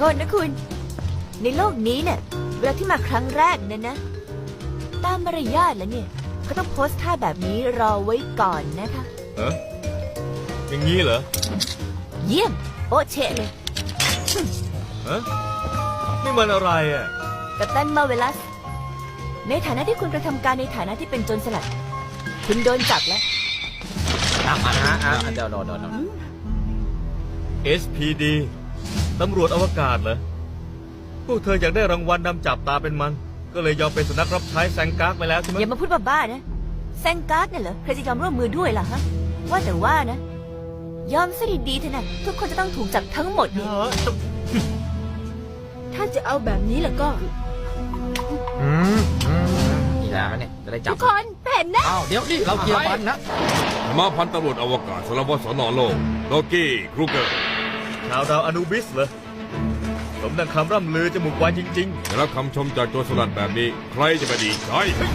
ษนะคุณ ในโลกนี้เนี่ยเวลาที่มาครั้งแรกนั่นนะตามมารยาทแล้วเนี่ยก็ต้องโพสท่าแบบนี้รอไว้ก่อนนะคะอย่างนี้เหรอเยี่ยมโอเชะเลยฮะนี่มันอะไรอ่ะกัปตันมาเวลัส ในฐานะที่คุณกระทำการในฐานะที่เป็นโจรสลัด คุณโดนจับแล้วเดี๋ยว SPD ตำรวจอวกาศเหรอ พวกเธออยากได้รางวัลนำจับตาเป็นมัน ก็เลยยอมเป็นสุนัขรับใช้แซงการ์ดไปแล้วใช่ไหมอย่ามาพูดบ้าๆนะแซงการ์ดเนี่ยเหรอใครจะยอมร่วมมือด้วยล่ะฮะว่าแต่ว่านะ ยอมซะดีๆเถอะนะทุกคนจะต้องถูกจับทั้งหมดนี่ถ้าจะเอาแบบนี้แล้วก็นี่แหละเนี่ยจะได้จับทุกคนเห็นนะอ้าวเดี๋ยวนี่เราเคลียร์ฟันนะมาพันตำรวจอวกาศสารวัตรสนโลกโลกี้ครูเกอร์ชาวดาวอนูบิสเหรอ สมดังคำร่ำลือจมูกไวจริงได้รับคำชมจากโจรสลัดแบบนี้ ใครจะไปดีใจ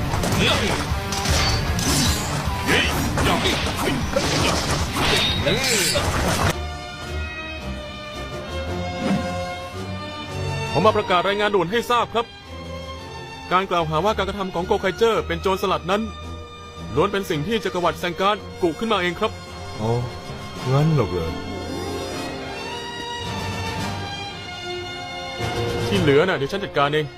ผมมาประกาศรายงานด่วนให้ทราบครับ การกล่าวหาว่าการกระทำของโกไคเจอร์เป็นโจรสลัดนั้นล้วนเป็นสิ่งที่จักรวรรดิแซงการ์ดกุขึ้นมาเองครับอ๋องั้นหรอกเหรอที่เหลือน่ะเดี๋ยวฉันจัดการเอง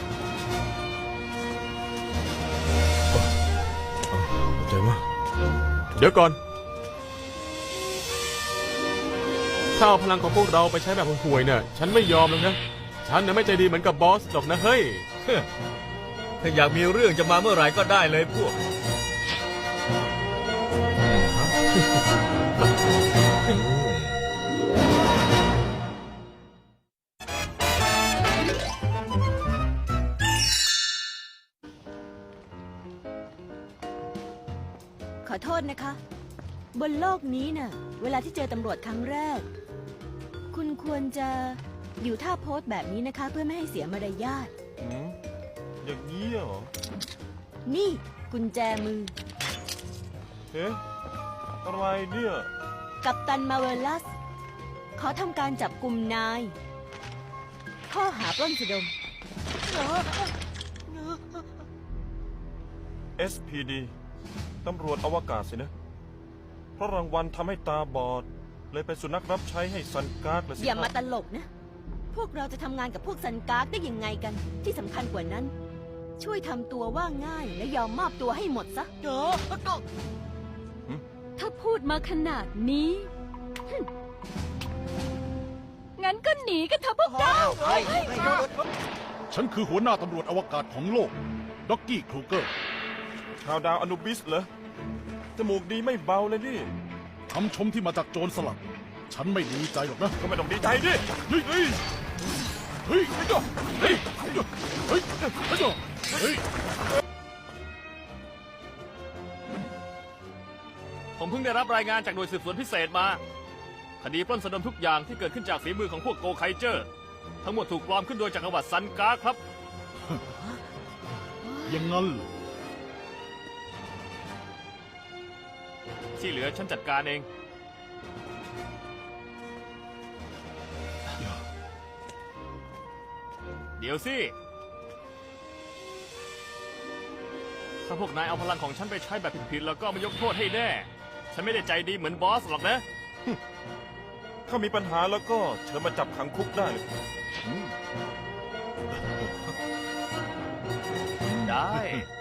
เข้าใจว่าเดี๋ยวก่อน ถ้าเอาพลังของพวกเราไปใช้แบบห่วยๆเนี่ยฉันไม่ยอมหรอกนะ ฉันน่ะไม่ใจดีเหมือนกับบอสหรอกนะเฮ้ยๆ ถ้าอยากมีเรื่องจะมาเมื่อไหร่ก็ได้เลยพวกขอโทษนะคะ บนโลกนี้น่ะ เวลาที่เจอตำรวจครั้งแรก คุณควรจะอยู่ท่าโพสแบบนี้นะคะ เพื่อไม่ให้เสียมารยาทอย่างนี้เหรอนี่กุญแจมือเอ๊ะ อะไรเนี่ยกัปตันมาเวลัส ขอทำการจับกลุ่มนาย ข้อหาปล้นสะดม SPD ตำรวจอวกาศสินะ เพราะรางวัลทำให้ตาบอด เลยเป็นสุนัขรับใช้ให้ซันการ์ดเลยสิอย่ามาตลกนะ พวกเราจะทำงานกับพวกซันการ์ดได้ยังไงกัน ที่สำคัญกว่านั้น ช่วยทำตัวว่าง่ายและยอมมอบตัวให้หมดซะถ้าพูดมาขนาดนี้ งั้นก็หนีกันเถอะพวกเราฉันคือหัวหน้าตำรวจอวกาศของโลก ด็อกกี้ครูเกอร์ชาวดาวอนุบิสเหรอ จมูกดีไม่เบาเลยนี่คำชมที่มาจากโจรสลัด ฉันไม่ดีใจหรอกนะก็ไม่ต้องดีใจดิเฮ้ย เฮ้ย เฮ้ย เฮ้ย เฮ้ย เฮ้ย เฮ้ยผมเพิ่งได้รับรายงานจากหน่วยสืบสวนพิเศษมา คดีปล้นสะดมทุกอย่างที่เกิดขึ้นจากฝีมือของพวกโกไคเจอร์ ทั้งหมดถูกปลอมขึ้นโดยจักรวรรดิซันการ์ดครับอย่างนั้นเหรอที่เหลือฉันจัดการเอง เดี๋ยวสิ ถ้าพวกนายเอาพลังของฉันไปใช้แบบผิดๆแล้วก็ไม่ยกโทษให้แน่ ฉันไม่ได้ใจดีเหมือนบอสหรอกนะถ้ามีปัญหาแล้วก็เชิญมาจับขังคุกได้เลยได้